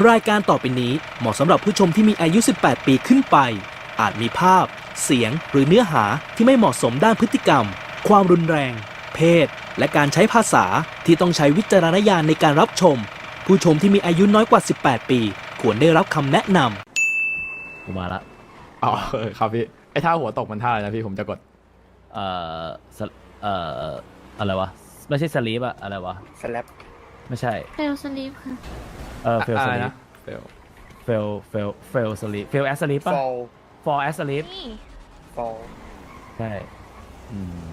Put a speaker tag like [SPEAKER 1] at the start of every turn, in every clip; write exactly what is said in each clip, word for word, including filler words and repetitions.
[SPEAKER 1] รายการต่อไปนี้เหมาะสำหรับผู้ชมที่มีอายุ สิบแปด ปีขึ้นไป อาจมีภาพ เสียง หรือเนื้อหาที่ไม่เหมาะสมด้านพฤติกรรม ความรุนแรง เพศ และการใช้ภาษาที่ต้องใช้วิจารณญาณในการรับชม ผู้ชมที่มีอายุน้อยกว่า สิบแปด ปี ควรได้รับคำแนะนำ
[SPEAKER 2] กูมาละ
[SPEAKER 3] อ๋อเออครับพี่ไอ้ท่าหัวตกมันท่าอะไรนะพี่ผมจะกด
[SPEAKER 2] เอ่อสเอ่ออะไรวะไม่ใช่สลีปอะอะไรวะ
[SPEAKER 4] สแลป
[SPEAKER 2] ไม่ใช่
[SPEAKER 5] เฟลสลีปค่ะ
[SPEAKER 2] เออเฟล
[SPEAKER 3] อะ
[SPEAKER 2] ส
[SPEAKER 3] ไร
[SPEAKER 2] ลีป
[SPEAKER 3] นะเฟล
[SPEAKER 2] เฟลเฟลเฟลสลีปเฟลแอสสลีป
[SPEAKER 4] ฟ
[SPEAKER 2] ป่ะ
[SPEAKER 4] อล
[SPEAKER 2] for as sleep
[SPEAKER 5] นี่
[SPEAKER 4] ฟอล
[SPEAKER 2] ใช่อืม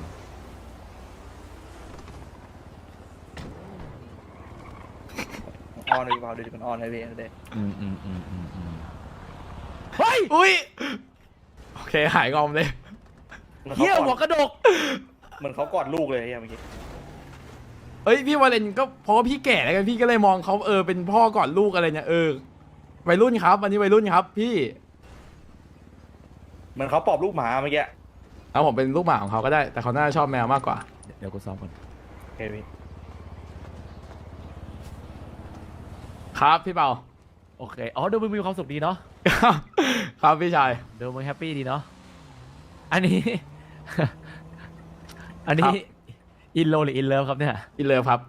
[SPEAKER 4] ออนเลยฟอลดูดิมันออนเลยพี่เด็ก
[SPEAKER 2] อืมอืมอืมอืมอืม
[SPEAKER 3] เฮ้ยอุ้ยโอเคหายงอมเลย
[SPEAKER 2] เฮียหัวกระดก
[SPEAKER 4] เหมือนเขากอดลูกเลยไอ้เมื่อกี้
[SPEAKER 3] เอ้ยพี่วาเลนก็เพราะว่าพี่แก่แล้วกันพี่ก็เลยมองเขาเออเป็นพ่อก่อนลูกอะไรเนี่ยเออวัยรุ่นครับวันนี้วัยรุ่นครับพี่
[SPEAKER 4] เหมือนเขาปอบลูกหมาเมื่อกี้
[SPEAKER 3] เอาผมเป็นลูกหมาของเขาก็ได้แต่เขาน่าจะชอบแมวมากกว่า
[SPEAKER 2] เดี๋ยวกูซ้อมก่อน
[SPEAKER 4] โอเคพี่
[SPEAKER 3] ครับพี่เปา
[SPEAKER 2] โอเคอ๋อดูมึงมีความสุขดีเนาะ
[SPEAKER 3] ครับพี่ชาย
[SPEAKER 2] ดูมึงแฮปปี้ดีเนาะอันนี้ อันนี้อินโลหรืออินเลิฟครับเนี่ย
[SPEAKER 3] อินเลิฟครับ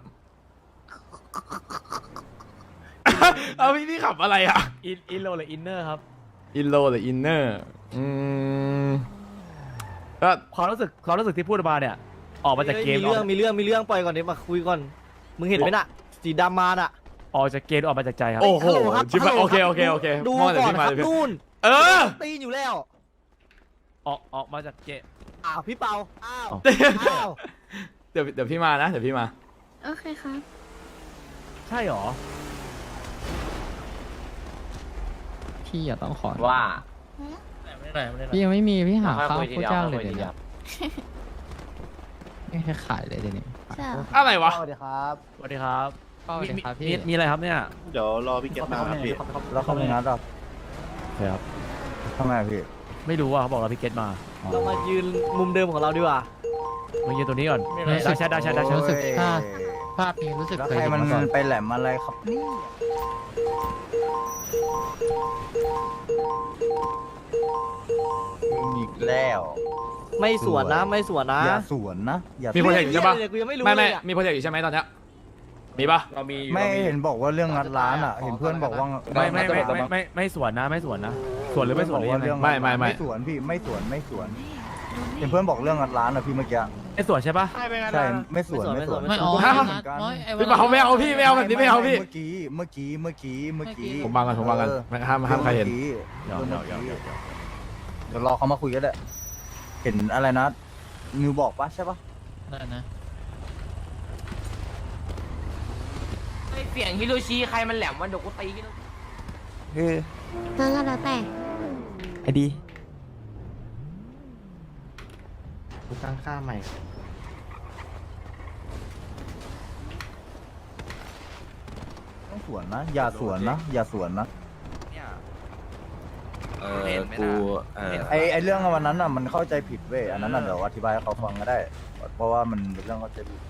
[SPEAKER 3] เอาพี่พี่ขับอะไรอ่ะ
[SPEAKER 2] อินอินโลหรืออินเนอร์ครับ
[SPEAKER 3] อินโลหรืออินเนอร์อืมก็
[SPEAKER 2] ความรู้สึกความรู้สึกที่พูดมาเนี่ย ออกมาจากเกม
[SPEAKER 6] มีเรื่องมีเรื่องมีเรื่องปล่อยก่อนเดี๋ยวมาคุยก่อน มึงเห็นไหมน่ะ สีดำมาน่ะ
[SPEAKER 2] ออกจากเกมออกมาจากใจครับ
[SPEAKER 3] โอ้โห
[SPEAKER 6] ฮัลโหลครับ
[SPEAKER 3] ชิบะ
[SPEAKER 6] ฮัลโหล
[SPEAKER 3] โอเค
[SPEAKER 6] ครับ
[SPEAKER 3] โอเคโอเค
[SPEAKER 6] ดู
[SPEAKER 3] มองแต่
[SPEAKER 6] ก่อน
[SPEAKER 3] พี่
[SPEAKER 6] ค
[SPEAKER 3] มา
[SPEAKER 6] รับ
[SPEAKER 3] เลยพี่
[SPEAKER 6] นู่น
[SPEAKER 3] เออ
[SPEAKER 6] ตีนอยู่แล้ว
[SPEAKER 2] ออกออกมาจากเกม
[SPEAKER 6] อ้าวพี่เปาอ้าว
[SPEAKER 2] อ้าว
[SPEAKER 6] อ้าว
[SPEAKER 3] เดี๋ยวเดี๋ยวพี่มานะเดี๋ยวพี่มา
[SPEAKER 5] โอเคครับ
[SPEAKER 2] ใช่หรอ
[SPEAKER 7] พี่อย่าต้องขอ
[SPEAKER 8] ว่า
[SPEAKER 7] พี่ยังไม่มีพี่หา
[SPEAKER 8] ค่อย
[SPEAKER 7] ข้าว
[SPEAKER 8] คุยที
[SPEAKER 7] ผู้
[SPEAKER 8] เดียว
[SPEAKER 7] จ้าง
[SPEAKER 8] ค่อย
[SPEAKER 7] เลย
[SPEAKER 8] คุยที
[SPEAKER 7] เดี๋ยว
[SPEAKER 8] เดียว
[SPEAKER 7] นี้ไม่ให้ขายเลยเดี๋ยวนี้
[SPEAKER 5] ใช่เหรอ
[SPEAKER 3] อะไรวะ
[SPEAKER 6] สวัสดีครับ
[SPEAKER 2] สวัสดีครับ
[SPEAKER 7] ก็สวัสดีครับ
[SPEAKER 2] มี
[SPEAKER 7] พี่
[SPEAKER 2] มีมีอะไรครับเนี่ย
[SPEAKER 9] เดี๋ยวรอพี่เก็ตมาครับพี่
[SPEAKER 6] แล้วเขาไม่นัดหรอ
[SPEAKER 2] ใช่ครับ
[SPEAKER 6] ทำไมพี่
[SPEAKER 2] ไม่รู้ว่าเขาบอกเราพี่เกตมา
[SPEAKER 6] เรามายืนมุมเดิมของเราดีกว่า
[SPEAKER 2] มายืนตัวนี้ก่อน
[SPEAKER 7] รู้สึ
[SPEAKER 2] ได้
[SPEAKER 7] ก
[SPEAKER 2] ใช่ได้ใช่ได้ใช่
[SPEAKER 7] รู้สึกภาพภาพนี้รู้สึก
[SPEAKER 6] แล้ว
[SPEAKER 7] เคย
[SPEAKER 6] ใคร
[SPEAKER 7] เห็น
[SPEAKER 6] มัน
[SPEAKER 7] มาก่อน
[SPEAKER 6] ไปแหลมอะไรครับนี่อีกแล้ว ไม่สวนนะไม่สวนนะ
[SPEAKER 10] อย่าสวนนะอย่า
[SPEAKER 3] มีโปรเจกต์อยู่ใช่ปะ
[SPEAKER 6] เดี๋ยวกูยังไม่รู้
[SPEAKER 3] ไม่ไม่
[SPEAKER 6] เลยอะ
[SPEAKER 3] มีโปรเจกต์อยู่ใช่ไหมตอนเนี้ยมีปะ
[SPEAKER 4] เรามี
[SPEAKER 10] ไม่
[SPEAKER 4] รา
[SPEAKER 10] เห็นบอกว่าเรื่องงัดร้านอ่ะ เห็นเพื่อนบอกว่า
[SPEAKER 2] ไม่ไม่ไม่ไม่ไม่ไม่สวนนะไม่สวนนะสวนหรือไม่สวนหรือยังไง
[SPEAKER 10] เรื่อง
[SPEAKER 3] ไม่ไม่ไม่
[SPEAKER 10] ไม่สวนพี่ไม่สวนไม่สวน เห็นเพื่อนบอกเรื่องงัดร้านอ่ะพี่เมื่อกี้
[SPEAKER 2] ไม่สวนใช่ปะ
[SPEAKER 10] ใช่ไม่สวนไม่สวน
[SPEAKER 7] ไม่อ๋อ
[SPEAKER 10] ผ
[SPEAKER 7] ไม่
[SPEAKER 10] ก็
[SPEAKER 7] เอา
[SPEAKER 10] เหมือนกัน
[SPEAKER 7] ไม่ไอ้
[SPEAKER 3] พี่เปาไม่เอาพี่ไม่เอาแบบนี้ไม่เอาพี่
[SPEAKER 10] เมื่อกี้เมื่อกี้เมื่อกี้เมื่อกี้
[SPEAKER 3] ผมบังกันผมบังกัน
[SPEAKER 10] เออ
[SPEAKER 3] ไม่ห้ามห้ามใครเห็น
[SPEAKER 10] มื่อกี้
[SPEAKER 2] เดี๋ยว
[SPEAKER 10] เมื่
[SPEAKER 2] เดี๋ยว
[SPEAKER 10] อ
[SPEAKER 2] เดี๋ยว
[SPEAKER 10] กี้
[SPEAKER 2] เดี๋ยว
[SPEAKER 10] เดี๋ยวรอเขามาคุยกันแหละเห็นอะไรนะนิวบอกปะใช่ปะ
[SPEAKER 7] นั่นนะ
[SPEAKER 8] ไอเสียงฮิโรชิใครมันแหลมวันเดี๋ยวกูตีกัน
[SPEAKER 10] เฮ้ย
[SPEAKER 5] นั่นก็แล้วแต่
[SPEAKER 7] ไอ้ดี
[SPEAKER 8] กูตั้งค่าใหม่
[SPEAKER 10] ต้องสวนนะ อย่าสวนนะ อย่าสวนนะ
[SPEAKER 9] เออกูเออ
[SPEAKER 10] ไอไอเรื่องวันนั้นอ่ะมันเข้าใจผิดเว้ยอันนั้นอ่ะเดี๋ยวอธิบายให้เขาฟังก็ได้ เพราะว่ามันเป็นเรื่องเข้าใจผิด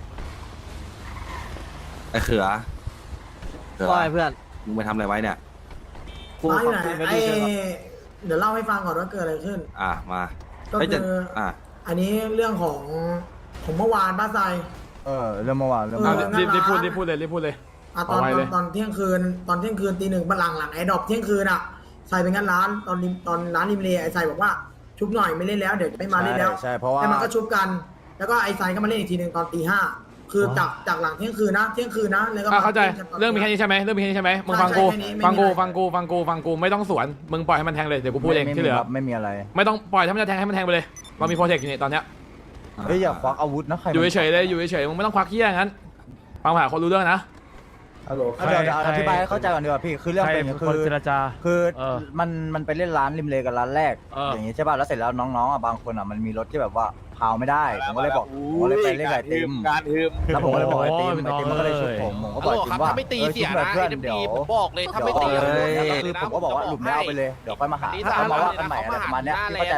[SPEAKER 9] ไอ้เขือเขือ
[SPEAKER 6] ว่าไงเพื่อน
[SPEAKER 9] มึงไปทำอะไรไว้เนี่ย
[SPEAKER 6] กูฟังคุยไม่
[SPEAKER 11] ไอ้
[SPEAKER 6] ดีเลย
[SPEAKER 11] เดี๋ยวเล่าให้ฟังก่อนว่าเกิดอะไรขึ้น
[SPEAKER 9] อ่ะมา
[SPEAKER 11] ก็
[SPEAKER 9] เฮ้ย
[SPEAKER 11] คื
[SPEAKER 9] จะ
[SPEAKER 11] อ
[SPEAKER 9] อ่ะ
[SPEAKER 11] อันนี้เรื่องของของเมื่อวานป้าไซ
[SPEAKER 10] เออเรื่องเมื่อวานเรื่อง
[SPEAKER 11] เอ
[SPEAKER 10] เมื่
[SPEAKER 11] อ
[SPEAKER 10] อวาน
[SPEAKER 3] รีบรีบพูดรีบพูดเลยรีบพูดเลย
[SPEAKER 11] อ่ะตอน
[SPEAKER 3] เอาไว้
[SPEAKER 11] ต
[SPEAKER 3] เล
[SPEAKER 11] อน
[SPEAKER 3] ย
[SPEAKER 11] ตอนเที่ยงคืนตอนเที่ยงคืนตีหนึ่งบัลลังก์หลังไอ้ดอกเที่ยงคืนอ่ะใส่เป็นงั้นร้านตอนริมตอนร้านริมเลไอ้ใส่บอกว่าชุบหน่อยไม่เล่นแล้วเดี๋ยวไม่มาเล่นแล้ว
[SPEAKER 10] ใช่เพราะว่า
[SPEAKER 11] แล้วมันก็ชุบกัน แล้วก็ไอ้ใส่ก็มาเล่นอีกทีหนึ่งตอนตีห้าคือจากจากหลังเที่ยงคืนนะเที่ยงคืนนะแล้วก็
[SPEAKER 3] อ่ะเข้าใจ
[SPEAKER 11] ตน
[SPEAKER 3] เรื่องมีแค่นี้ใช่ไหมเรื่องมีแค่นี้ใช่ไหมมึงฟังกู
[SPEAKER 11] ใช่แค่นี้ไม่มี
[SPEAKER 3] ฟังกู
[SPEAKER 11] อะไร
[SPEAKER 3] ฟังกูฟังกูฟังกูไม่ต้องสวนมึงปล่อยให้มันแทงเลยเดี๋ยวกูพูดเอง
[SPEAKER 10] ไม่
[SPEAKER 3] ที่เหลือ
[SPEAKER 10] ครับไม่มีอะไร
[SPEAKER 3] ไม่ต้องปล่อยถ้ามันจะแทงให้มันแทงไปเลยเรามีโปรเจกต์อยู่นี่ตอนเนี้ย
[SPEAKER 10] เฮ้ยอย่าควักอาวุธนะใคร
[SPEAKER 3] อยู่เฉยๆเลยอยู่เฉยๆมึงไม่ต้องควักเหี้ยงั้นฟังผ่าคนรู้เรื่องนะ
[SPEAKER 10] ฮัลโหลเดี๋ยวเดี๋ยวอธิบายให้เข้าใจก่อนดีกว่าพี่คือเรื่อง
[SPEAKER 2] ใคร
[SPEAKER 10] เป็นอย่าง
[SPEAKER 2] เป็น
[SPEAKER 10] นี้
[SPEAKER 2] คน
[SPEAKER 10] คือ
[SPEAKER 2] เจรจา
[SPEAKER 10] คือ
[SPEAKER 2] เออ
[SPEAKER 10] มันมันไปเล่นร้านริมเลกับร้านแรก
[SPEAKER 2] เอออ
[SPEAKER 10] อย่างนี้ใช่ป่ะแล้วเสร็จแล้วน้องๆอ่ะบางคนอ่ะมันมีรถที่แบบว่าพาวไม่ได้ผมก็เลยบอกผมก็เลยไปเล่นไก่เต็ม
[SPEAKER 9] การฮึม
[SPEAKER 10] แล้วผมก็เลยบอกไอ้เต็ม
[SPEAKER 2] โอ้ย
[SPEAKER 10] ไอ้เต็มมันก็เลยชุบผมผมก็บอกจริงว่าเออชุบแบบเพื่อนเดี๋ยว
[SPEAKER 8] บอกเลยถ้าไม่
[SPEAKER 10] เดี๋
[SPEAKER 8] ตี
[SPEAKER 10] ยวคือผมก็บอกว่าหลุมไม่เอาไปเลยเดี๋ยวค่อยมาหาถ้าเอามาว่ากันใหม่อะไรประมาณเนี้ยพี่เข้าใจปะ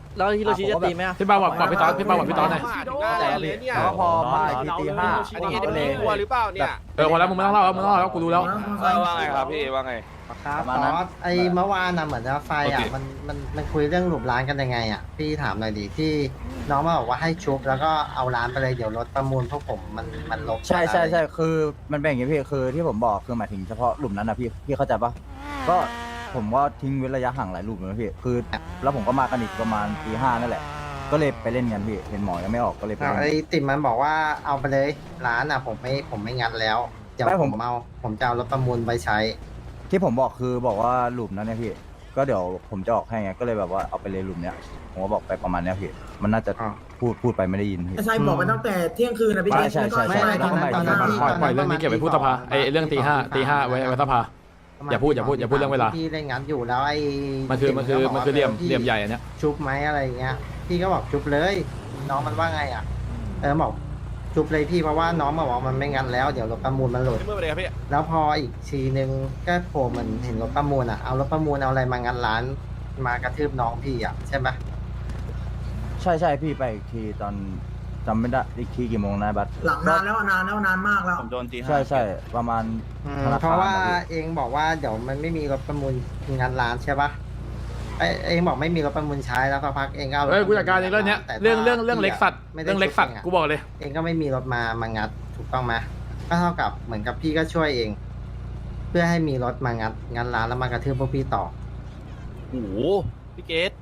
[SPEAKER 6] แล้วฮิโรชิจะตีไหมอะ
[SPEAKER 3] พี่เปาบอกบอกพี่ต๊อดพี่เปาบอกพี่ต๊อดหน่อย
[SPEAKER 10] แล้วก็พอมาอีกทีตีห้าผมก็เลย
[SPEAKER 8] หรือเปล่าเนี่ย
[SPEAKER 3] เออพอแล้วมึงไม่ต้องเล่าแล้วมึงต้องเล่าแล้วกูรู้แล้ว
[SPEAKER 9] ว่าไงครับพี่ว่าไง
[SPEAKER 10] ครับตอนไอ้เมื่อวานน่ะเหมือนว่าไฟอ่ะมันมันมันคุยเรื่องหลุมร้านกันยังไงอ่ะพี่ถามหน่อยดิที่น้องมาบอกว่าให้ชุบแล้วก็เอาร้านไปเลยเดี๋ยวรถประมูลพวกผมมันมันลบใช่ใช่ใช่คือมันเป็นอย่างนี้พี่คือที่ผมบอกคือหมายถึงเฉพาะหลุมนั้นนะพี่พี่เข้าใจปะก็ผมก็ทิ้งเว้นระยะห่างหลายหลุมนะพี่คือแล้วผมก็มากันอีกประมาณตีห้านั่นแหละก็เลยไปเล่นกันพี่เห็นหมอยังไม่ออกก็เลยไปเล่น
[SPEAKER 12] ไอ้ติ่มมันบอกว่าเอาไปเลยร้านอ่ะผมไม่ผมไม่งัดแล้วเดี๋ยว
[SPEAKER 10] ไม่
[SPEAKER 12] ผ
[SPEAKER 10] ผม
[SPEAKER 12] มเอาผมจะเอารถประมูลไปใช้
[SPEAKER 10] ที่ผมบอกคือบอกว่าหลุมนั้นเนี่ยพี่ก็เดี๋ยวผมจะออกให้ไงก็เลยแบบว่าเอาไปเลยหลุมเนี้ยผมก็บอกไปประมาณเนี้ยพี่มันน่าจะ
[SPEAKER 12] อ๋อ
[SPEAKER 10] พูดพูดไปไม่ได้ยินพี่
[SPEAKER 11] ไอ้ไซบอกไปตั้งแต่เที่ยงคืนนะพี่
[SPEAKER 10] ใช่
[SPEAKER 11] เจ
[SPEAKER 10] ใช่ใช่
[SPEAKER 11] ไม่
[SPEAKER 10] ใช่
[SPEAKER 11] ไม่
[SPEAKER 12] ตอนนั้นตอนนั้นที่
[SPEAKER 3] ปล่อยปล่อยเรื่องนี้เก็บไว้พูดสภาไอ้เรื่องตีห้าตีห้าไว้ไว้สภา อย่าพูดอย่าพูดอย่าพูดเรื่องเวลา
[SPEAKER 12] พี่เล่นงัดอยู่แล้วไอ้
[SPEAKER 3] มันคือมันคือ
[SPEAKER 12] ติ่
[SPEAKER 3] มันคือเหลี่ยม
[SPEAKER 12] พี่
[SPEAKER 3] เหลี่ยมใหญ่อันเนี้ย
[SPEAKER 12] ชุบไหมอะไรเงี้ยพี่ก็บอกชุบเลย น้องมันว่าไงอ่ะเออบอกชุบเลยพี่เพราะว่าน้องมาบอกมันไม่งัดแล้วเดี๋ยวรถประมูลมันหลุด
[SPEAKER 8] เมื่อไหร่ครับพี่
[SPEAKER 12] แล้วพออีกทีนึงก็โผล่เหมือนเห็นรถประมูลอ่ะเอารถประมูลเอาอะไรมางัดร้านมากระทืบน้องพี่อ่ะใช่ไหม
[SPEAKER 10] ใช่ใช่พี่ไปอีกทีตอนจำไม่ได้อีกทีกี่โมงนะบัส
[SPEAKER 11] หลังนานแล้วอะนานแล้วนานมากแล้ว
[SPEAKER 9] ผมโดนตีห้า
[SPEAKER 10] ใช่ใช่ประมาณ
[SPEAKER 12] อืม
[SPEAKER 10] ธนค
[SPEAKER 12] เพราะว่า
[SPEAKER 10] อพี่
[SPEAKER 12] เองบอกว่าเดี๋ยวมันไม่มีรถประมูลงานร้านใช่ปะไอเองบอกไม่มีรถประมูลใช้แล้วสักพักเองก็เอารถ
[SPEAKER 3] เฮ้ยกูจัดการเองเรื่องเนี้ย
[SPEAKER 12] แต่
[SPEAKER 3] เรื่องเรื่อง
[SPEAKER 12] ถ้า
[SPEAKER 3] เรื่องเล็กสัตว์
[SPEAKER 12] ไม่ได้
[SPEAKER 3] เรื่องเล็กสัตว์
[SPEAKER 12] ชุบ
[SPEAKER 3] กูบอกเลย
[SPEAKER 12] เองก็ไม่มีรถมามางัดถูกต้องไหมก็เท่ากับเหมือนกับพี่ก็ช่วยเอง เพื่อให้มีรถมางัดงัดร้านแล้วมากระทืบพวกพี่ต่อ
[SPEAKER 8] โอ้โหพี่เกต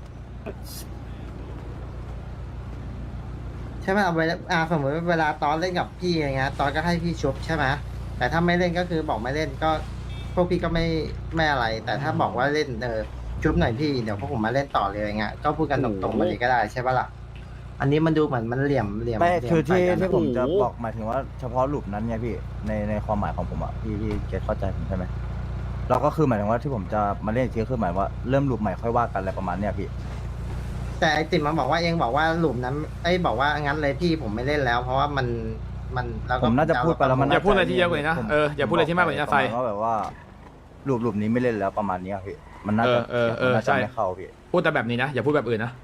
[SPEAKER 12] ใช่ไหมเอาเวลาอ่าสมมติว่าเวลาตอนเล่นกับพี่อย่างเงี้ยตอนก็ให้พี่ชุบใช่ไหมแต่ถ้าไม่เล่นก็คือบอกไม่เล่นก็พวกพี่ก็ไม่ไม่อะไร แต่ถ้าบอกว่าเล่นเออชุบหน่อยพี่เดี๋ยวพวกผมมาเล่นต่อเลยอย่างเงี้ยก็พูดกันตรงๆมาเลยก็ได้ใช่ปะล่ะอันนี้มันดูเหมือนมันเหลี่ยมเหลี่ยม
[SPEAKER 10] ไม่
[SPEAKER 12] เหลี่ย
[SPEAKER 10] คือที่
[SPEAKER 12] ใส่กัน
[SPEAKER 10] ที่ผมจะบอกหมายถึงว่าเฉพาะหลุมนั้นไงพี่ในในความหมายของผมอ่ะพี่พี่เก็ตเข้าใจผมใช่ไหมเราก็คือหมายถึงว่าที่ผมจะมาเล่นอีกทีก็คือหมายว่าเริ่มหลุมใหม่ค่อยว่ากันอะไรประมาณเนี้ยพี่
[SPEAKER 12] แต่ไอติมมันบอกว่าเองบอกว่าหลุมนั้นไอยบอกว่างั้นเลยพี่ผมไม่เล่นแล้ว เพราะว่ามันมันแล้วก็
[SPEAKER 10] ผมน่าจะพูดไปแล้วมัน
[SPEAKER 3] อย่าพูดอะไรที่เยอะกว่านี้นะ
[SPEAKER 10] ผม
[SPEAKER 3] เอออย่าพูดอะไรที่มากกว่านี้นะ
[SPEAKER 10] ป
[SPEAKER 3] ไซ
[SPEAKER 10] ระมาณว่าแบบว่าหลุมหลุมนี้ไม่เล่นแล้วประมาณเนี้ยพี่มันน่าจะ
[SPEAKER 3] เออเออเออ
[SPEAKER 10] มันน่า
[SPEAKER 3] ใช่
[SPEAKER 10] จะไม่เข้าพี่
[SPEAKER 3] พูดแต่แบบนี้นะอย่าพูดแบบอื่นนะ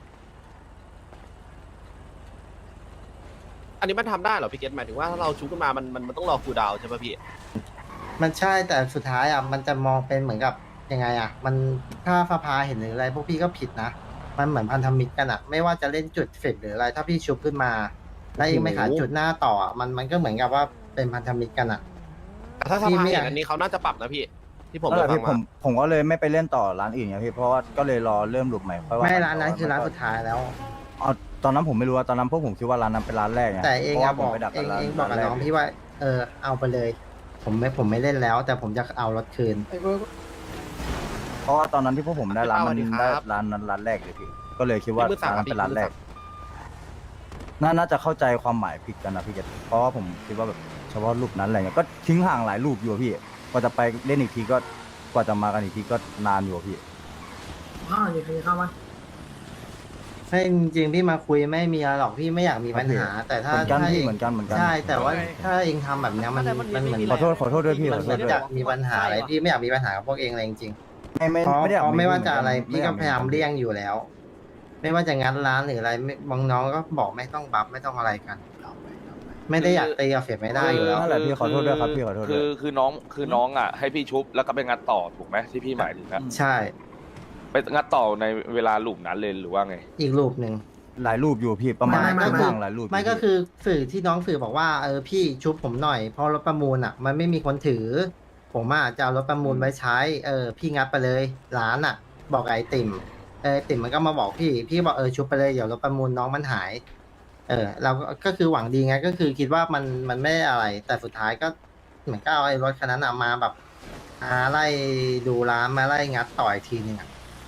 [SPEAKER 8] อันนี้มันทำได้เหรอพี่เกตหมายถึงว่าถ้าเราชุบขึ้นมามันมันมันต้องรอคูลดาวน์ใช่ป่ะพี่
[SPEAKER 12] มันใช่แต่สุดท้ายอ่ะมันจะมองเป็นเหมือนกับยังไงอ่ะ มันถ้าฟ้าพาเห็นหรืออะไรพวกพี่ก็ผิดนะ มันเหมือนพันธมิตรกันอ่ะ ไม่ว่าจะเล่นจุดเฟกหรืออะไร ถ้าพี่ชุบขึ้นมา แล้วเองไม่ขายจุดหน้าต่ออะมันมันก็เหมือนกับว่าเป็นพันธมิตรกันอ่ะ
[SPEAKER 8] แต่ถ้าส
[SPEAKER 12] พี่
[SPEAKER 8] ภา
[SPEAKER 12] ไม่อ
[SPEAKER 8] เห็
[SPEAKER 12] ยาก
[SPEAKER 8] นอันนี้เขาน่าจะปรับนะพี่ ที่ผม
[SPEAKER 10] นั่นแห
[SPEAKER 8] ได้
[SPEAKER 10] ละ
[SPEAKER 8] ฟั
[SPEAKER 10] พี่
[SPEAKER 8] ง
[SPEAKER 10] ผม
[SPEAKER 8] มา
[SPEAKER 10] ผมก็เลยไม่ไปเล่นต่อร้านอื่นไงพี่เพราะว่าก็เลยรอเริ่มหลุมใหม่ค่อยว่า
[SPEAKER 12] ไม่
[SPEAKER 10] กั
[SPEAKER 12] ร้านนั้นคือร้านสุดท้ายแล้ว
[SPEAKER 10] เอาตอนนั้นผมไม่รู้ว่าตอนนั้นพวกผมคิดว่าร้านนั้นเป็นร้านแรกไง
[SPEAKER 12] แต่เอง
[SPEAKER 10] พราะ
[SPEAKER 12] อะ
[SPEAKER 10] ว่า
[SPEAKER 12] บอก
[SPEAKER 10] ผมไปดัก
[SPEAKER 12] เอง
[SPEAKER 10] ร้าน
[SPEAKER 12] เองบอกกับ
[SPEAKER 10] ร้านแร
[SPEAKER 12] น้องพี่ว่า เออเอาไปเลย ผมไม่ผมไม่เล่นแล้ว แต่ผมจะเอารถคืน
[SPEAKER 10] เพราะว่าตอนนั้นที่พวกผมได้ร้านนั้น
[SPEAKER 8] พี่
[SPEAKER 10] ได้
[SPEAKER 8] เป้าสวัสดีครับ
[SPEAKER 10] ร้านนั้นร้านแรกเลยพี่ก็เลยคิดว่า
[SPEAKER 8] พี่มือสาม
[SPEAKER 10] ร้านนั้นเป็นร้าน
[SPEAKER 8] พี่มือ
[SPEAKER 10] แร
[SPEAKER 8] สาก ม
[SPEAKER 10] น่าน่าจะเข้าใจความหมายผิดกันนะพี่เกศเพราะว่าผมคิดว่าแบบเฉพาะรูปนั้นอะไรเงี้ยก็ทิ้งห่างหลายรูปอยู่อะพี่กว่าจะไปเล่นอีกทีก็กว่าจะมากันอีกทีก็นานอยู่อะพี่
[SPEAKER 11] ข้าวอยู่ที่ข้าวไหม
[SPEAKER 12] ให้จริงๆพี่มาคุยไม่มีอะไรหรอกพี่ไม่อยากมีปัญหา แต่ถ้า
[SPEAKER 10] เหมือนกัน
[SPEAKER 12] ถ้า
[SPEAKER 10] พี่
[SPEAKER 12] เอง
[SPEAKER 10] เหมือนกันเหมือนกัน
[SPEAKER 12] ใช่แต่ว่าถ้าเองทำแบบเนี้ยมันมันเหมือน
[SPEAKER 10] ขอโทษขอโทษด้วยพี่ข
[SPEAKER 12] มั
[SPEAKER 10] อน โท
[SPEAKER 12] เหมื
[SPEAKER 10] ษ
[SPEAKER 12] อน
[SPEAKER 10] ด้วย
[SPEAKER 12] จะมีปัญหาอะไรพี่ไม่อยากมีปัญหากับพวกเองเลยจริง
[SPEAKER 10] ไม่ไม่
[SPEAKER 12] ๆเพราะ
[SPEAKER 10] ไม่ได้อยาก
[SPEAKER 12] เพราะไม่ว่าจะอะไร
[SPEAKER 10] เหนน
[SPEAKER 12] พี่ก็พยายาม
[SPEAKER 10] ไ
[SPEAKER 12] เลี่ยงอยู่แล้ว ไม่ว่าจะงานร้านหรืออะไรไม่บางน้องก็บอกไม่ต้องบัฟไม่ต้องอะไรกัน ไม่ได้อยากตีกับเฟดไม่ได้อยู่แล้ว
[SPEAKER 10] นั่นแหละพี่ขอโทษด้วยครับพี่ขอโทษด้
[SPEAKER 9] คื
[SPEAKER 10] วย
[SPEAKER 9] อคือน้องคือน้องอ่ะให้พี่ชุบแล้วก็ไปงัดต่อถูกไหมที่พี่หมายถึงอะ
[SPEAKER 12] ใช่
[SPEAKER 9] ไปงัดต่อในเวลาหลุมนั้นเลยหรือว่าไง
[SPEAKER 12] อีกรูปหนึ่ง
[SPEAKER 10] หลายรูปอยู่พี่ประมาณ
[SPEAKER 12] ไม่ไม่
[SPEAKER 10] ก็
[SPEAKER 12] ไม่
[SPEAKER 10] ห่างหลายรูปยู่
[SPEAKER 12] ไม่ก็
[SPEAKER 10] พี่
[SPEAKER 12] คือสื่อที่น้องสื่อบอกว่าเออพี่ชุบผมหน่อยเพราะรถประมูลอ่ะ มันไม่มีคนถือ ผมอ่ะจะเอารถประมูลไว้ใช้ เออ พี่งัดไปเลยร้านอ่ะ บอกไอ้ติ่มเออติ่มมันก็มาบอกพี่ พี่บอกเออชุบไปเลยเดี๋ยวรถประมูลน้องมันหาย เออ เราก็ก็คือหวังดีไงก็คือคิดว่ามันมันไม่ได้อะไร แต่สุดท้ายก็เหมือนก็เอาไอ้รถคันนั้นอะมาแบบมาไล่ดูร้านมาไล่งัดต่อยทีนึงอ่ะ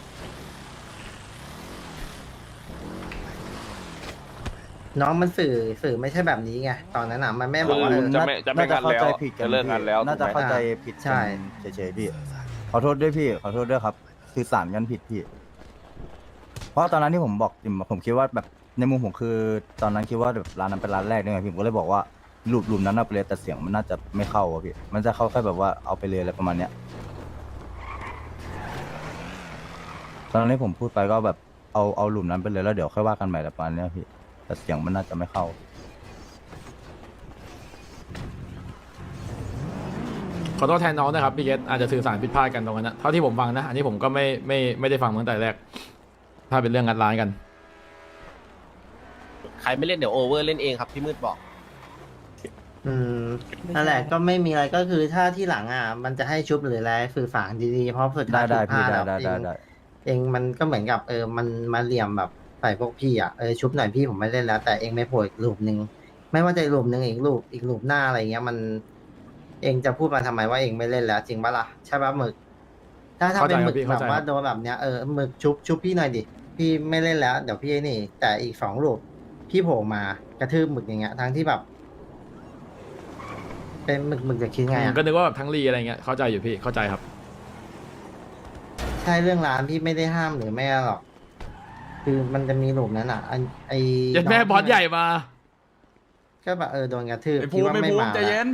[SPEAKER 12] น้องมันสื่อสื่อไม่ใช่แบบนี้ไงตอนนั้นอ่ะมันไม่บอกว่า
[SPEAKER 9] คื
[SPEAKER 12] เอ
[SPEAKER 9] อ
[SPEAKER 12] อ
[SPEAKER 9] จะไม่จะไม่งัดแล้ว
[SPEAKER 10] น่าจะเข้าใจผิดกัน
[SPEAKER 9] จะเลิกงัดแล้ว
[SPEAKER 10] น่าจะ
[SPEAKER 9] ถูกไหม
[SPEAKER 10] เข้าใจผิด
[SPEAKER 12] ใช่
[SPEAKER 10] กันเฉยๆพี่ขอโทษด้วยพี่ขอโทษด้วยครับสื่อสารกันผิดพี่ เพราะตอนนั้นที่ผมบอกจิมผมคิดว่าแบบในมุมผมคือ ตอนนั้นคิดว่าแบบร้านนั้นเป็นร้านแรกด้วยไงพี่ผมก็เลยบอกว่ารูปรูปนั้นเอาไปเลยแต่เสียงมันน่าจะไม่เข้าอะพี่มันจะเข้าแค่แบบว่าเอาไปเลยอะไรประมาณเนี้ยตอนนั้นที่ผมพูดไปก็แบบ
[SPEAKER 4] เอาเอาหลุมนั้นไปเลยแล้วเดี๋ยวค่อยว่ากันใหม่แต่ปานเนี้ยพี่แต่เสียงมันน่าจะไม่เข้า
[SPEAKER 3] ขอโทษแทนน้องนะครับพี่เกตอาจจะสื่อสารผิดพลาดกันตรงนั้นนะเท่าที่ผมฟังนะอันนี้ผมก็ไม่ไม่ไม่ได้ฟังตั้งแต่แรกถ้าเป็นเรื่องงัดร้านกัน
[SPEAKER 8] ใครไม่เล่นเดี๋ยวโอเวอร์เล่นเองครับพี่มืดบอก
[SPEAKER 12] อืมนั่นแหละก็ไม่มีอะไรก็คือถ้าที่หลังอ่ะ มันจะให้ชุบหรืออะไรสื่อสารดีๆเพราะสุด
[SPEAKER 4] ได้
[SPEAKER 12] ท้าย
[SPEAKER 4] ได้
[SPEAKER 12] ผิดพ
[SPEAKER 4] พี่
[SPEAKER 12] ลาด
[SPEAKER 4] ได้
[SPEAKER 12] อะ
[SPEAKER 4] ได้
[SPEAKER 12] เอ
[SPEAKER 4] ได้
[SPEAKER 12] ง
[SPEAKER 4] ได้
[SPEAKER 12] เองมันก็เหมือนกับเออมันมาเหลี่ยมแบบใส่พวกพี่อ่ะเออชุบหน่อยพี่ผมไม่เล่นแล้ว แต่เองไม่โผล่อีกรูปหนึ่งไม่ว่าจะอีกรูปหนึ่งอีกรูปอีกรูปหน้าอะไรเงี้ยมัน เองจะพูดมาทำไมว่าเองไม่เล่นแล้ว จริงปะล่ะใช่ปะหมึก ถ้าถ้าเป็นหมึก
[SPEAKER 3] เข้าใจครับพี่
[SPEAKER 12] แบบว่า
[SPEAKER 3] เข้าใจครับ
[SPEAKER 12] โดนแบบเนี้ยเออหมึกชุบชุบพี่หน่อยดิพี่ไม่เล่นแล้วเดี๋ยวพี่ไอ้นี่ แต่อีกสองรูปพี่โผล่มากระทืบหมึกอย่างเงี้ยทั้งที่แบบ เป็นหมึกหมึกจะคิดไงอ่ะ
[SPEAKER 3] ก็นึกว่าแบบทั้งรีอะไรเงี้ยเข้าใจอยู่พี่เข้าใจครับ
[SPEAKER 12] ใช่เรื่องร้านพี่ไม่ได้ห้ามหรือไม่หรอก คือมันจะมีหลุมนั้นอ่ะไอไอ
[SPEAKER 3] เย็นแม่
[SPEAKER 12] น้ง
[SPEAKER 3] บอสใหญ่มา
[SPEAKER 12] ก็แบบเออโดนกระทืบ
[SPEAKER 3] ไอ้ภู
[SPEAKER 12] คิด
[SPEAKER 3] มิ
[SPEAKER 12] ว่า
[SPEAKER 3] ไอ้
[SPEAKER 12] ไม่
[SPEAKER 3] ภูมิ
[SPEAKER 12] มา
[SPEAKER 3] ใจเย็น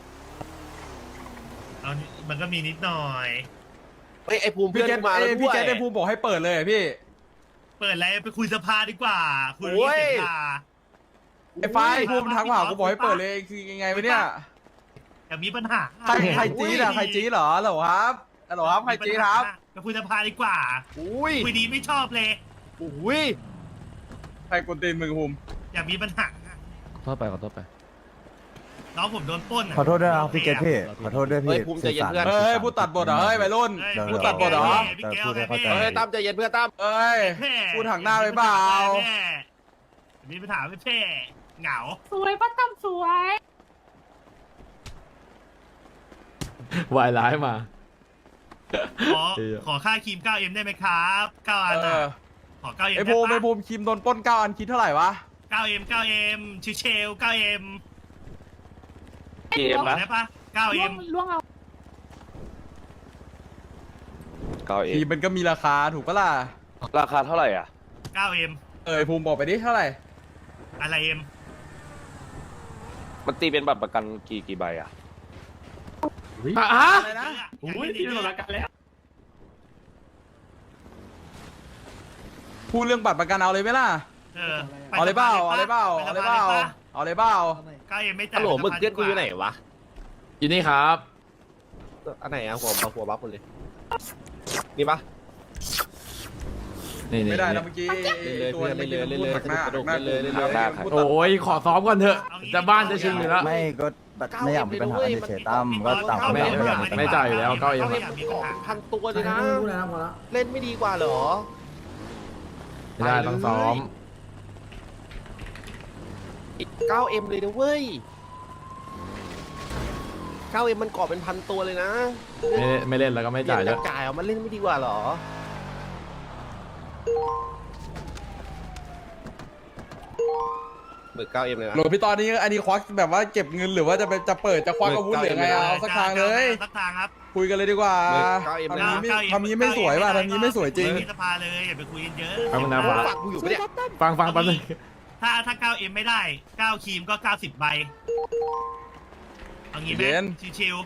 [SPEAKER 13] เอามันก็มีนิดหน่อย
[SPEAKER 8] เฮ้ยไอภูมิเพื่อนกูมาแล้วด้วย
[SPEAKER 3] พี่เกตไอ้ภูมิบอกให้เปิดเลยพี่
[SPEAKER 13] เปิดอะไรไปคุยสภาดีกว่า คุย
[SPEAKER 8] โอ้
[SPEAKER 13] เรื่อง
[SPEAKER 8] ย
[SPEAKER 13] สภา
[SPEAKER 3] ไอ้ฟ้าไอ้ภูมิทักมาหากูบอกให้เปิดเลยคือยังไงวะเนี่ย
[SPEAKER 13] อย่ามีปัญหา
[SPEAKER 3] ใครใครจี๊ดอะใครจี๊ดเหรอเหรอครับเหรอครับใครจี๊ดครับ
[SPEAKER 13] ไปคุยสภาดีกว่า
[SPEAKER 8] อุ้ย
[SPEAKER 13] คุยดีไม่ชอบเลย
[SPEAKER 8] อุ้ย
[SPEAKER 3] ใครกดตีนมึงภูมิ
[SPEAKER 13] อย่ามีปัญหา
[SPEAKER 2] ขอโทษไปขอโทษไป
[SPEAKER 13] น้องผมโดนปล้นะ
[SPEAKER 4] ขอโทษด้วยนะครับพี่เกตพี่ขอโทษด้วยพี่
[SPEAKER 8] เฮ้ยภูมิใจเย็นเพื่อน
[SPEAKER 3] เฮ้ยพูดตัดบทเหรอเฮ้ยวัยรุ่น
[SPEAKER 13] เฮ้ย
[SPEAKER 3] พูดตัดบทเหรอ
[SPEAKER 13] พี่แก้ว
[SPEAKER 4] แต่พูดให้เข้าใจ
[SPEAKER 8] เฮ้ยตั้มใจเย็นเพื่อนตั้ม
[SPEAKER 3] เอ้ย
[SPEAKER 13] แม่
[SPEAKER 3] พูดหักหน้าไปเปล่า
[SPEAKER 13] แม่มีปัญหาไม่แพ้เหงา
[SPEAKER 5] สวยป้าตั้มสวย
[SPEAKER 3] วายร้ายมา
[SPEAKER 13] ขอขอค่าครีม เก้าเอ็ม ได้ไหมครับเก้าอัน
[SPEAKER 3] เอ
[SPEAKER 13] อะ
[SPEAKER 3] อ
[SPEAKER 13] ขอ เก้าเอ็ม
[SPEAKER 3] ไอ้
[SPEAKER 13] ได้
[SPEAKER 3] ภูมิไอ้
[SPEAKER 13] ปะ
[SPEAKER 3] ภูมิคิมโดนปล้นเก้าอันคิดเท่าไหร่วะ
[SPEAKER 13] เก้าเอ็ม เก้าเอ็มชิเชล เก้าเอ็ม
[SPEAKER 9] เกมนะ
[SPEAKER 13] ได้ปะเก้า
[SPEAKER 5] ล่
[SPEAKER 13] เอ็
[SPEAKER 5] วง
[SPEAKER 13] ม
[SPEAKER 5] ล่วงเอา
[SPEAKER 9] เก้าเอ
[SPEAKER 3] ทีมันก็มีราคาถูกปะล่ะ
[SPEAKER 9] ราคาเท่าไหร่อ่ะ
[SPEAKER 13] เก้าเอ็ม
[SPEAKER 3] เออไอ้ภูมิบอกไปดิเท่าไหร่
[SPEAKER 13] อะไรเอ็ม
[SPEAKER 9] มันตีเป็นบัตรประกันกี่กี่ใบอ่ะ
[SPEAKER 3] อ่ะ
[SPEAKER 13] อะไรนะอุ้ยตีเป็นประกันแล้ว
[SPEAKER 3] พูดเรื่องบัตรประกันเอาเลยไหมล่ะ
[SPEAKER 13] เออไป
[SPEAKER 3] เอาเลยเปล่าเอาเลยเปล่า
[SPEAKER 13] ไป
[SPEAKER 3] เอา
[SPEAKER 13] ส
[SPEAKER 3] เลย
[SPEAKER 13] ภ
[SPEAKER 3] เปล่า
[SPEAKER 13] ปะ
[SPEAKER 3] เอาเลยเปล่า
[SPEAKER 13] เก้าเอ็มไม่จ่าย
[SPEAKER 8] ฮัลโหลมึกเพื่อนกูอยู่ไหนวะ
[SPEAKER 3] อยู่นี่ครับ
[SPEAKER 8] อันไหนอะหัวหัวบัฟหมดเลยนี่ปะ
[SPEAKER 3] นี่นี่
[SPEAKER 4] ไม่ได้นะเมื่อกี้
[SPEAKER 8] เล่นเลย
[SPEAKER 4] ตัว
[SPEAKER 8] เล่นเลยเล่นเลย
[SPEAKER 4] หักหน้า
[SPEAKER 8] เล่นเลย
[SPEAKER 4] หักหน้า
[SPEAKER 8] เล่นเลย
[SPEAKER 4] หักหน้า
[SPEAKER 9] เล่นเลย
[SPEAKER 4] พูด
[SPEAKER 3] โอ้ยขอซ้อมก่อนเถอะจะบ้านจะชิงอยู่แล้ว
[SPEAKER 4] ไม่ก็แบบไม่อยากมีปัญหากันเฉยๆตั้มก็ต่างคนต่างไม่อยากมีปัญหา
[SPEAKER 3] ไม่จ่ายอยู่แล้วเก้าเอ็ม
[SPEAKER 8] เล่นของพันตัวเลยนะ
[SPEAKER 11] ไม่รู้แล้วพอละ
[SPEAKER 8] เล่นไม่ดีกว่าเหรอ
[SPEAKER 3] ไม่ได้ต้องซ้อม
[SPEAKER 8] เก้าเอ็มเลยนะเว้ยเก้าเอ็มมันก่อเป็นพันตัวเลยนะ
[SPEAKER 3] ไม่ไม่เล่นแล้วก็ไม่จ่าย
[SPEAKER 8] เล่
[SPEAKER 3] ด้วน ย
[SPEAKER 8] จ่ายเอามันเล่นไม่ดีกว่าเหรอเบิกเก้าเอ็มเลยนะ
[SPEAKER 3] โหลพี่ตอนนี้อันนี้ควักแบบว่าเก็บเงินหรือว่าจะไปจะเปิดจะควักอาวุธหรือไงเอาสักทางเลย
[SPEAKER 13] สักทางครับ
[SPEAKER 3] คุยกันเลยดีกว่า
[SPEAKER 8] เบิกเก้าเอ็มเลย
[SPEAKER 3] ทำนี้
[SPEAKER 8] นะ
[SPEAKER 3] ไม่ทำนี้ไม่สวยว่ะทำนี้ไม่สวยจริง
[SPEAKER 13] คุที่สภาเลยอย่าไปคุยกันเยอะ
[SPEAKER 3] เอามันนะฟ้า
[SPEAKER 8] ฝากกูอยู่ปะเนี่ย
[SPEAKER 3] ฟังฟังแป๊บนึง
[SPEAKER 13] ถ้าถ้าเก้าเอ็มไม่ได้เก้าครีมก็เก้าสิบใบเอางี้ไหม
[SPEAKER 3] เย็น
[SPEAKER 13] ชิว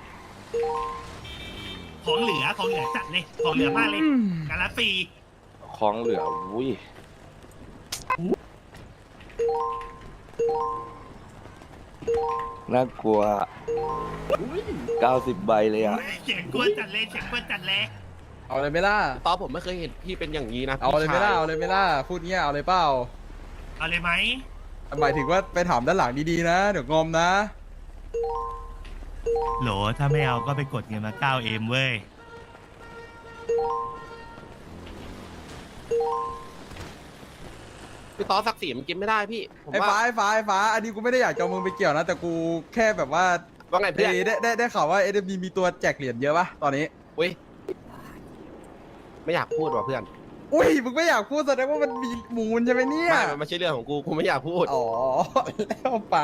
[SPEAKER 13] ๆของเหลือของเหลือจัดเลย ของเหลือมากเลยการละฟรี
[SPEAKER 9] ของเหลืออุ้ย น่ากลัวเก้าสิบใบเลยอ่ะ
[SPEAKER 13] เสียงกวนจัดเลยเสียงกวนจัดเลย
[SPEAKER 3] เอาเลยไหม่ล่ะ
[SPEAKER 8] ตอนผมไม่เคยเห็นพี่เป็นอย่างนี้นะ
[SPEAKER 3] เอาเลยไหม่ล่ะ
[SPEAKER 8] พี่ช
[SPEAKER 3] เอาเลยไหม่ล่ะ พูดเงี้ยเอาเลยเปล่า
[SPEAKER 13] เอาเลยไหม
[SPEAKER 3] หมายถึงว่าไปถามด้านหลังดีๆนะ เดี๋ยวงอมนะ
[SPEAKER 13] โหลถ้าไม่เอาก็ไปกดเงินมา เก้าเอ็ม เว้ย
[SPEAKER 8] พี่ต๊อดศักดิ์ศรีมันกินไม่ได้พี่ผม
[SPEAKER 3] ไอ้
[SPEAKER 8] ว่า
[SPEAKER 3] ฟ้าไอ้ฟ้าไอ้ฟ้า อันนี้กูไม่ได้อยากจะเอามึงไปเกี่ยวนะ แต่กูแค่แบบว่า
[SPEAKER 8] ว่าไงเพื่อน
[SPEAKER 3] ได้ได้ได้ได้ข่าวว่าเอ็มดีมีตัวแจกเหรียญเยอะปะตอนนี้
[SPEAKER 8] อุ้ยไม่อยากพูดว่ะเพื่อน
[SPEAKER 3] อุ้ย มึงไม่อยากพูดแสดงว่ามันมีมูลใช่ไหมเนี่ย
[SPEAKER 8] ไม่มันไม่ใช่เรื่องของกูกูไม่อยากพูด
[SPEAKER 3] อ๋อ แล้วไป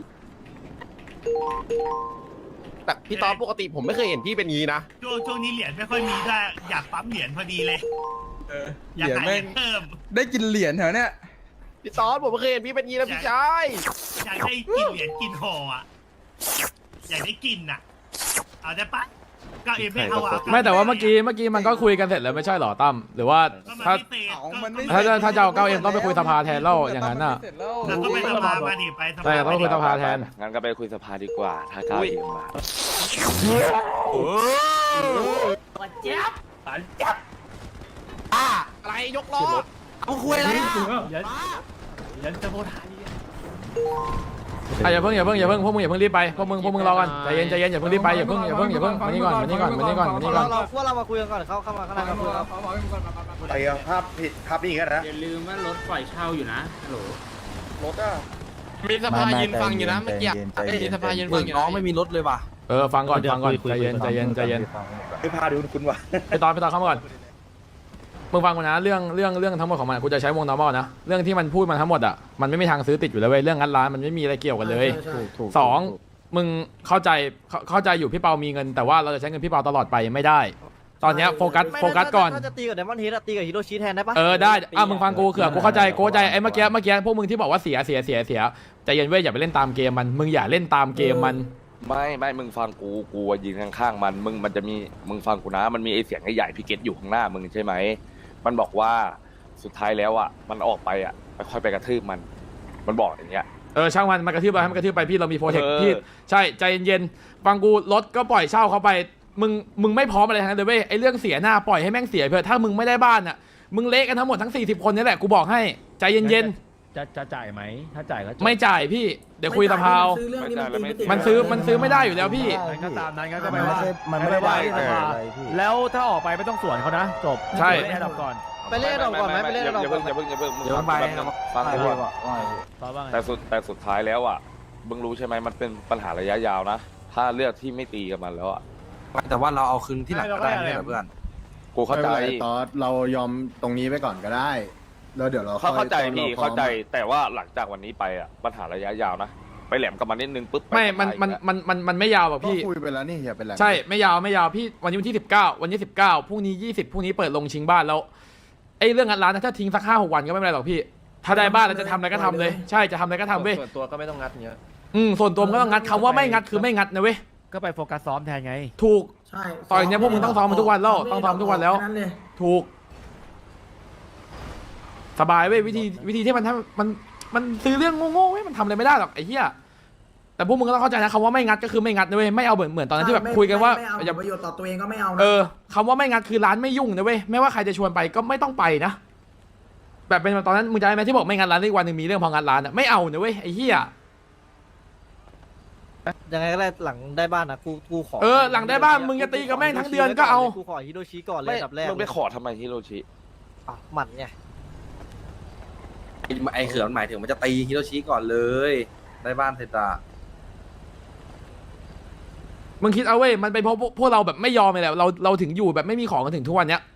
[SPEAKER 8] แต่พี่ต๊อดปกติผมไม่เคยเห็นพี่เป็นงี้นะ
[SPEAKER 13] ช่วงช่วงนี้เหรียญไม่ค่อยมีด้วยอยากปั๊มเหรียญพอดีเลย
[SPEAKER 3] เออ
[SPEAKER 13] อยาก
[SPEAKER 3] เหรียญ
[SPEAKER 13] หาเห
[SPEAKER 3] แม่
[SPEAKER 13] รีย
[SPEAKER 3] ง
[SPEAKER 13] ญเพิ่ม
[SPEAKER 3] ได้กินเหรียญแถวเนี้ย
[SPEAKER 8] พี่ต๊อดผมไม่เคยเห็นพี่เป็นงี้นะพี่ชาย
[SPEAKER 13] อยากได้กินเหรียญกินห่ออ่ะ อยากได้กินอ่ะ เอาได้ปะเก้าเอ็มไม่เอาอ่ะ
[SPEAKER 3] ไม่แต่ว่าเมื่อกี้เมื่อกี้มันก็คุยกันเสร็จแล้วไม่ใช่เหรอตั้มหรือว่าถ้า ถ้าจะถ้าจะเอาเก้าเอ็มต้องไปคุยสภาแทนแล้วอย่างนั้นน่ะ
[SPEAKER 13] แล้วก็ไปสภามาดิไปสภา
[SPEAKER 3] ใช่ต้องคุยสภาแทน
[SPEAKER 9] งั้นก็ไปคุยสภาดีกว่า ถ้าก้าวเอ็มมา
[SPEAKER 8] อะไรยกล้อ
[SPEAKER 6] เอาคุยอะไรอะ
[SPEAKER 2] ยันจะโพธา
[SPEAKER 3] อ่ะอย่าเพิ่งอย่าเพิ่งอย่าเพิ่งพวกมึงอย่าเพิ่งรีบไปพวกมึงพวกมึงรอก่อนใจเย็นใจเย็นอย่าเพิ่งรีบไปอย่าเพิ่งอย่าเพิ่งอย่าเพิ่งมานี่ก่อนมานี่ก่อนมานี่ก่อนมานี่ก่อน
[SPEAKER 6] เราเราพวกเรามาคุยกันก่อนเข้าเข้ามาข้างในมาคุยครับ
[SPEAKER 4] ไอ้ภาพผิดภาพนี้กันนะ
[SPEAKER 7] อย่าลืมว่ารถปล่อยเช่าอยู่นะฮัลโหล
[SPEAKER 4] รถอ่ะ
[SPEAKER 8] มีสภายืนฟังอยู่นะเมื่อกี้มีสภายืนฟังอยู่น้องไม่มีรถเลยว่ะ
[SPEAKER 3] เออฟังก่อนฟังก่อนใจเย็นใจเย็นใจเย็น
[SPEAKER 4] ไอ้พาดูคุณวะ
[SPEAKER 3] ไปตอนไปตอนเข้ามาก่อนมึงฟังกูนะเรื่องเรื่องเรื่องทั้งหมดของมันกูจะใช้วง normal นะเรื่องที่มันพูดมาทั้งหมดอ่ะมันไม่มีทางซื้อติดอยู่แล้วเว้ยเรื่องงัดร้านมันไม่มีอะไรเกี่ยวกันเลย
[SPEAKER 11] ใช่ใช่
[SPEAKER 3] สองมึงเข้าใจเข้าเข้าใจอยู่พี่เปามีเงินแต่ว่าเราจะใช้เงินพี่เปาตลอดไปไม่ได้ ตอนเนี้ยโฟกัสโฟกัสก่อน
[SPEAKER 6] ถ้าจะตีกับไดมอนด์เฮดตีกับฮิโรชิแทนได้ปะ
[SPEAKER 3] เออได้อ่ะมึงฟังกูเขื่อกูเข้าใจกูเข้าใจไอ้เมื่อกี้เมื่อกี้พวกมึงที่บอกว่าเสียเสียเสียเสียใจเย็นเว้ยอย่าไปเล่นตามเกมมันมึงอย่าเล่นตามเกมมัน
[SPEAKER 9] ไม่ไม่มึงฟังกูกูยืนข้างๆมันมึงมันจะมีมึงฟังกูนะมันมีไอเสียงใหญ่ๆพี่เกตอยู่ข้างหน้ามึงใช่ไหมมันบอกว่าสุดท้ายแล้วอ่ะมันออกไปอ่ะค่อยไปกระทืบมันมันบอกอย่างเงี้ย
[SPEAKER 3] เออช่างมันมันกระทืบไปให้มันกระทืบไปพี่เรามีโปรเทค
[SPEAKER 9] เออ
[SPEAKER 3] พี่ใช่ใจเย็นๆฟังกูรถก็ปล่อยเช่าเขาไปมึงมึงไม่พร้อมอะไรทั้งนั้นเลยเว้ยไอ้เรื่องเสียหน้าปล่อยให้แม่งเสียเพื่อะถ้ามึงไม่ได้บ้านอ่ะมึงเละกันทั้งหมดทั้งสี่สิบคนนี่แหละกูบอกให้ใจเย็น
[SPEAKER 2] จะจะจ่ายไหมถ้าจ่ายก็จบ
[SPEAKER 3] ๆไม่จ่ายพี่เดี๋ยวคุยสภาเอา
[SPEAKER 11] ซื้อเรื่องนี้มันตีไม่ติด
[SPEAKER 3] มันซื้อมันซื้อไม่ได้อยู่แล้วพี่
[SPEAKER 2] งั้นก็ตามนั้นงั้นก็
[SPEAKER 4] มั
[SPEAKER 2] ไป
[SPEAKER 4] นไม่
[SPEAKER 2] ว่า
[SPEAKER 4] ใช่มันไม่ได้
[SPEAKER 2] ไปว่า
[SPEAKER 4] ได้
[SPEAKER 2] ที่สภาแล้วถ้าออกไปไม่ต้องสวนเขานะจบ
[SPEAKER 3] ใช่
[SPEAKER 2] ไม่ให้ดับก่อน
[SPEAKER 6] ไปเล่นดอกก่อนไหมไปเล่นดอก
[SPEAKER 9] อย่า
[SPEAKER 6] ก่อ
[SPEAKER 9] เพิ่
[SPEAKER 6] น
[SPEAKER 9] งอย่าเพิ่งอย่าเพิ่งมึง
[SPEAKER 4] เดี๋ยวไป
[SPEAKER 9] แป๊บนึงฟังกูก่อน
[SPEAKER 2] ตอบว่าไง
[SPEAKER 9] แต่สุดแต่สุดท้ายแล้วอ่ะมึงรู้ใช่ไหมมันเป็นปัญหาระยะยาวนะถ้าเลือกที่ไม่ตีกับมันแล้วอ่ะ
[SPEAKER 8] แต่ว่าเราเอาคืนที่หลังก็ได้ไม่ใช่เหรอเพื่อน
[SPEAKER 9] กูเข้าใจ
[SPEAKER 4] ตอนเรายอมตรงนี้ไปก่อนก็ได้แล้วเดี๋ยวเรา
[SPEAKER 9] เขาเข้าใจ
[SPEAKER 4] ค่อย
[SPEAKER 9] พี่
[SPEAKER 4] ตอนรพร้อ
[SPEAKER 9] เข้าใจแต่ว่าหลังจากวันนี้ไปอ่ะปัญหาระยะยาวนะไปแหลมกับมันนิดนึงปุ๊บป
[SPEAKER 3] ไม่มัน
[SPEAKER 9] สบาย
[SPEAKER 3] มัน
[SPEAKER 9] แล้ว
[SPEAKER 3] มันมันมันไม่ยาวหรอก
[SPEAKER 4] ก็
[SPEAKER 3] พี่
[SPEAKER 4] คุยไปแล้วนี่อย่าเป็นไร
[SPEAKER 3] ใช่ไม่ยาวไม่ยาวพี่วันนี้วันที่สิบเก้าวันนี้สิบเก้าพรุ่งนี้ยี่สิบพรุ่งนี้เปิดลงชิงบ้านแล้วไอ้เรื่องงานร้านนะถ้าทิ้งสักห้าหกวันก็ไม่เป็นไรหรอกพี่ ถ้าได้บ้านแล้วจะทำอะไรก็ทำเลยใช่จะทำอะไรก็ทำเว้ย
[SPEAKER 8] ส่วนตัวก็ไม่ต้องงัดเงี้ย
[SPEAKER 3] อืมส่วนตัวมันก็ต้องงัดคำว่าไม่งัดคือไม่งัดนะเว้ย
[SPEAKER 2] ก็ไปโฟกัสซ้อมแทนไง
[SPEAKER 3] ถูก
[SPEAKER 11] ใช่
[SPEAKER 3] ต่อยเนี่ยพวกมึงต้องซ้อมมันทุกวันแล้วต้องซ้อมทุกวันแล้ว
[SPEAKER 11] ค่นั้นเลย
[SPEAKER 3] ถูก สบายเว้ยวิธีวิธีที่มันทำมันมันซื้อเรื่องโง่ๆเว้ยมันทำอะไรไม่ได้หรอกไอ้เหี้ยแต่พวกมึงก็ต้องเข้าใจนะคำว่าไม่งัดก็คือไม่งัดนะเว้ยไม่เอาเหมือนเหมือนตอนนั้นที่แบบ
[SPEAKER 11] ไม่
[SPEAKER 3] คุยกันว่า
[SPEAKER 11] ไม่เอา
[SPEAKER 3] อย่า
[SPEAKER 11] ประโยชน์ต่อตัวเองก็ไม่เอานะ
[SPEAKER 3] เออคำว่าไม่งัดคือร้านไม่ยุ่งนะเว้ยไม่ว่าใครจะชวนไปก็ไม่ต้องไปนะแบบเป็นตอนนั้นมึงจำได้ไหมที่บอกไม่งัดร้านอีกวันหนึ่งมีเรื่องพองัดร้านอะไม่เอานะเว้ยไอ้เหี้ย
[SPEAKER 6] ยังไงก็ได้หลังได้บ้านนะกูกูขอ
[SPEAKER 3] เออหลังได้บ้านมึงจะตีกับแม่งทั้งเดือนก็เอา
[SPEAKER 6] กูขอฮิโรชิก่อนเลย
[SPEAKER 9] ไม่
[SPEAKER 6] อันดับแรก
[SPEAKER 9] มึงไปขอทำไมฮิโรชิ
[SPEAKER 6] อ่ะหมันไง
[SPEAKER 8] ไอเขื่อนหมายถึงมันจะตีฮิโรชิก่อนเลยได้บ้านเสร็จอะ
[SPEAKER 3] มึงคิดเอาเว้ยมันเป็นเพราะพวกพวกเราแบบไม่ยอมเลยแหละเราเราถึงอยู่แบบไม่มีของกันถึงทุกวันเนี้ย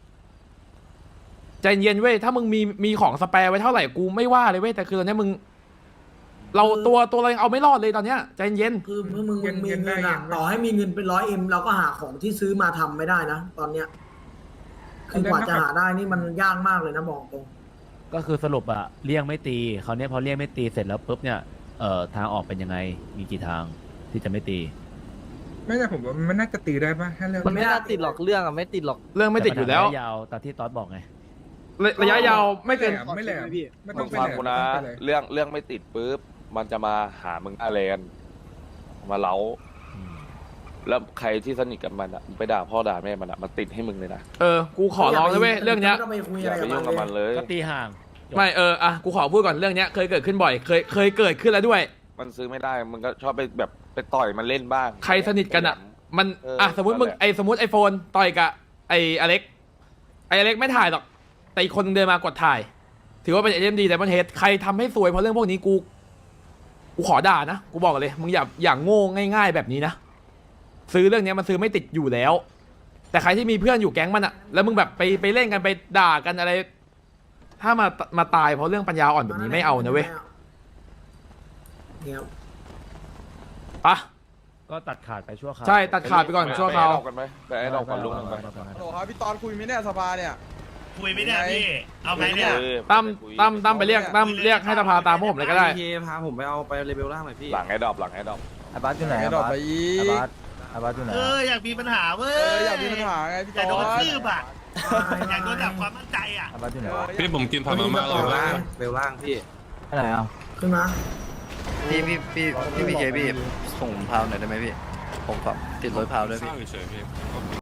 [SPEAKER 3] ใจเย็นเว้ยถ้ามึงมีมีของสแปร์ไว้เท่าไหร่กูไม่ว่าเลยเว้ยแต่คือตอนเนี้ยมึง เราตัวตัวเรายังเอาไม่รอดเลยตอนเนี้ยใจเย็น
[SPEAKER 11] คือเมื่อมึงมึงมีเงินอะต่อให้มีเงินเป็นร้อยเอ็มเราก็หาของที่ซื้อมาทำไม่ได้นะตอนเนี้ยคือกว่าจะหาได้นี่มันยากมากเลยนะบอกตรง
[SPEAKER 2] ก็คือสรุปอะเลี่ยงไม่ตีเขาวเนี้ยพอเลี่ยงไม่ตีเสร็จแล้วปุ๊บเนี่ยเอ่อทางออกเป็นยังไงมีกี่ทางที่จะไม่ตี
[SPEAKER 7] ไม่แต่ผมว่ามันน่าจะตีได้ป่ะถ้าเรื่อง
[SPEAKER 6] มันไม่น่าติดหรอกเรื่องอ่ะไม่ติดหรอก
[SPEAKER 3] เรื่องไม่ติดอยู่แล้ว
[SPEAKER 2] ต่ปัญหาระยะยาวตามที่ตอสบอกไง
[SPEAKER 3] ระระยะยาวไม่เกิน
[SPEAKER 7] ไม่แหลมไม่ต้
[SPEAKER 9] มึ
[SPEAKER 7] อง
[SPEAKER 9] ง
[SPEAKER 7] ไป
[SPEAKER 9] ฟัง
[SPEAKER 7] แหลม
[SPEAKER 9] กูนะ
[SPEAKER 7] ไม่ต้องไปเลย
[SPEAKER 9] เรื่องเรื่องไม่ติดปุ๊บมันจะมาหามึงอาแลนมาเล้าแล้วใครที่สนิทกับมันอ่ะมึงไปด่าพ่อด่าแม่มันอ่ะมันติดให้มึงเลยนะ
[SPEAKER 3] เออกูขอร้องเลยเว้ยเรื่องเนี้ย
[SPEAKER 11] ไม่ต้องไปคุย
[SPEAKER 9] อ
[SPEAKER 11] อะไร
[SPEAKER 9] ย่าไป
[SPEAKER 11] กับ
[SPEAKER 9] ยุ่งกับ
[SPEAKER 11] มั
[SPEAKER 9] มัน น
[SPEAKER 11] เลย
[SPEAKER 9] เลย
[SPEAKER 2] ก็ตีห่างจบ
[SPEAKER 3] ไม่เอออ่ะกูขอพูดก่อนเรื่องเนี้ยเคยเกิดขึ้นบ่อย เคยเคยเกิดขึ้นแล้วด้วย
[SPEAKER 9] มันซื้อไม่ได้มึงก็ชอบไปแบบไปต่อยมันเล่นบ้าง
[SPEAKER 3] ใครสนิทกันอ่ะ มัน
[SPEAKER 9] เออ
[SPEAKER 3] อ่ะสมมติมึง
[SPEAKER 9] นั่นแหละ
[SPEAKER 3] ไอสมมติไอโฟนต่อยกับไออเล็กไออเล็กไม่ถ่ายหรอกแต่อีกคนนึงเดินมากดถ่าย ถือว่าเป็นเอ็มดีแต่มันเฮดใครทำให้ซวยเพราะเรื่องพวกนี้กูกูขอด่านะกูบอกเลยมึงอย่าอย่างโง่ง่ายๆแบบนี้นะซื้อเรื่องเนี้ยมันซื้อไม่ติดอยู่แล้ว แต่ใครที่มีเพื่อนอยู่แก๊งมันอะแล้วมึงแบบไปไปเล่นกันไปด่ากันอะไร ถ้ามามาตายเพราะเรื่องปัญญาอ่อนแบบนี้ไม่เอานะเว้ย
[SPEAKER 11] เนี่ย
[SPEAKER 3] ปะ
[SPEAKER 2] ก็ตัดขาดไปชั่วคราว
[SPEAKER 3] ใช่ตัดขาดไปก่อนชั่วคราว
[SPEAKER 9] ไปไอ้ดอกกันไหมไปไอ้ดอกก่อนลุงไป
[SPEAKER 4] โอ้ครับพี่ตอนคุยไหมเนี่ยสภาเนี่ย
[SPEAKER 13] คุยไม่ได้พี่ เอาไงเนี่ย
[SPEAKER 9] เออ
[SPEAKER 3] ตั้ม
[SPEAKER 9] ไปคุย
[SPEAKER 3] ตั้มตั้มไปเรียกตั้มเรียกให้สภาตามพวกผมเลยก็ได้
[SPEAKER 8] พาผมไปเอาไปเลเวลล่างหน่อยพี่
[SPEAKER 9] หลังไอ้ดอกหลังไอ้ดอก
[SPEAKER 4] ไอ้บัสอยู่ไหนไอ้ดอกไปอี
[SPEAKER 8] ไอ้บาส
[SPEAKER 2] อาบัตอยู่ไหน
[SPEAKER 13] เอออยากมีปัญหาเว้ย
[SPEAKER 4] เอออยากมีปัญหาไงพี่
[SPEAKER 13] อยากโด
[SPEAKER 4] ตอน น
[SPEAKER 13] ทืบอ่ะอยากโดนดับความมั่นใจอ่ะ
[SPEAKER 2] อาบัตอยู่ไหน
[SPEAKER 7] พี่ผมกินผักมาม่าเราล่าง
[SPEAKER 4] เร็วล่างพี่
[SPEAKER 2] ไหนอ่ะ
[SPEAKER 11] ขึ้นมา
[SPEAKER 4] พี่พี่พี่พี่พี่เคพี่ส่งพาวหน่อยได้ไหมพี่ผมแบบติดรถพาวด้วยพี่